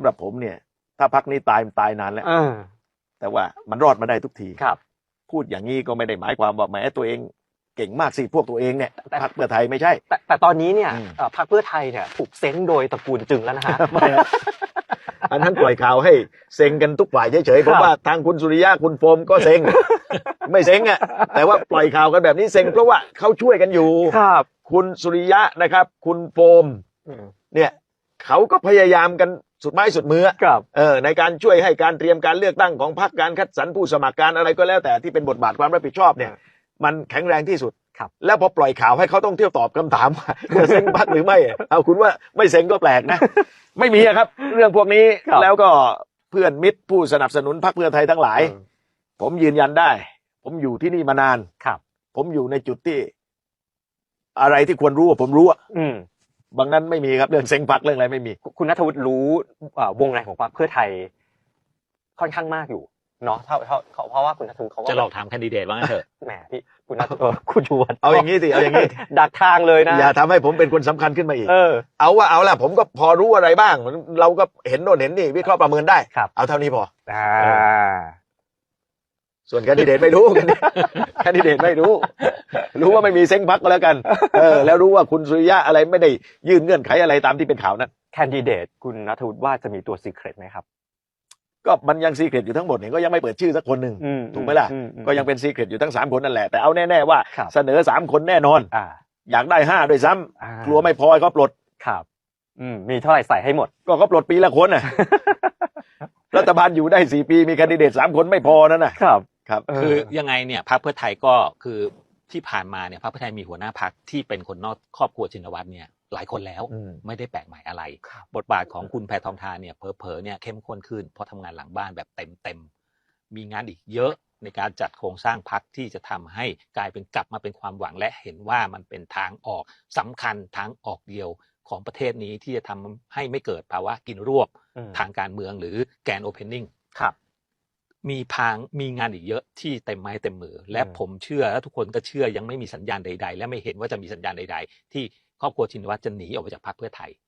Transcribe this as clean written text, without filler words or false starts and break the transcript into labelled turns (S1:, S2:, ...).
S1: หรับผมเนี่ยถ้าพรรคนี้ตายนานแล้วแต่ว่ามันรอดมาได้ทุกที
S2: ครับ
S1: พูดอย่างนี้ก็ไม่ได้หมายความว่าแหมตัวเองเก่งมากสิพวกตัวเองเนี่ยพรรคเพื่อไทยไม่ใช่
S2: แต่ตอนนี้เนี่ยพรรคเพื่อไทยเนี่ยถูกเซ้งโดยตระกูลจึงแล้วนะฮะ
S1: อันนั้นปล่อยข่าวให้เซ็งกันทุกฝ่ายเฉยๆเพราะว่าทางคุณสุริยะคุณโฟมก็เซ็งไม่เซ็งอ่ะแต่ว่าปล่อยข่าวกันแบบนี้เซ็งเพราะว่าเขาช่วยกันอยู่
S2: ครับ
S1: คุณสุริยะนะครับคุณโฟมเนี่ยเขาก็พยายามกันสุดไม้สุดมือในการช่วยให้การเตรียมการเลือกตั้งของพรรคการคัดสรรผู้สมัครการอะไรก็แล้วแต่ที่เป็นบทบาทความรับผิดชอบเนี่ยมันแข็งแรงที่สุดแล้วพอปล่อยข่าวให้เขาต้องเที่ยวตอบคำถามว่าเซ็งพรรคหรือไม่เอาคุณว่าไม่เซ็งก็แปลกนะไม่มีครับเรื่องพวกนี้แล้วก็เพื่อนมิตรผู้สนับสนุนพรรคเพื่อไทยทั้งหลายผมยืนยันได้ผมอยู่ที่นี่มานานผมอยู่ในจุดที่อะไรที่ควรรู้ผมรู้บางนั้นไม่มีครับเรื่องเซ็งพรรคเรื่องอะไรไม่มี
S2: คุณณัฐวุฒิรู้วงในของพรรคเพื่อไทยค่อนข้างมากอยู่เนาะเพราะว่าคุณณัฐวุฒิเขา
S3: จะหลอกถามแคนดิเดตว่างั้นเถอะ
S2: แหมพี่คุณณัฐวุฒิคุณชวน
S1: เอาอย่างนี้สิเอาอย่างนี้
S2: ดักทางเลยนะ
S1: อย่าทำให้ผมเป็นคนสำคัญขึ้นมาอีกเอาล่ะผมก็พอรู้อะไรบ้างเราก็เห็นโน่นเห็นนี่วิเคราะห์ประเมินได้เอาเท่านี้พอส่วนแคนดิเดตไม่รู้แคนดิเดตไม่รู้ว่าไม่มีเซ็งพรรคก็แล้วกันแล้วรู้ว่าคุณสุริยะอะไรไม่ได้ยื่นเงื่อนไขอะไรตามที่เป็นข่าวนั้น
S2: แคนดิเดตคุณณัฐวุฒิว่าจะมีตัวซีเครตไหมครับ
S1: ก็มันยังซีเครตอยู่ทั้งหมดเนี่ยก็ยังไม่เปิดชื่อสักคนหนึ่งถูกไหมล่ะก็ยังเป็นซีเครตอยู่ทั้ง3คนนั่นแหละแต่เอาแน่ๆว่าเสนอ3คนแน่นอนอยากได้5ด้วยซ้ำกลัวไม่พอเขาปลด
S2: ครับมีเท่าไหร่ใส่ให้หมด
S1: ก็เขาปลดปีละคนน่ะรัฐบาลอยู่ได้4ปีมีแคนดิเดต3คนไม่พอนั่นนะครับ
S3: คือยังไงเนี่ยพรรคเพื่อไทยก็คือที่ผ่านมาเนี่ยพรรคเพื่อไทยมีหัวหน้าพรรคที่เป็นคนนอกครอบครัวชินวัตรเนี่ยหลายคนแล้วไม่ได้แปลกใหม่อะไรบทบาทของคุณแพทองธารเนี่ยเผลอๆเนี่ยเข้มข้นขึ้นเพราะทำงานหลังบ้านแบบเต็มมีงานอีกเยอะในการจัดโครงสร้างพรรคที่จะทำให้กลายเป็นกลับมาเป็นความหวังและเห็นว่ามันเป็นทางออกสำคัญทางออกเดียวของประเทศนี้ที่จะทำให้ไม่เกิดภาวะกินรวบทางการเมืองหรือแกนโอเพนนิ่งมีงานอีกเยอะที่เต็มไม้เต็มมือและผมเชื่อและทุกคนก็เชื่อยังไม่มีสัญญาณใดๆและไม่เห็นว่าจะมีสัญญาณใดๆที่ครอบครัวชินวัตรจะหนีออกไปจากพรรคเพื่อไทย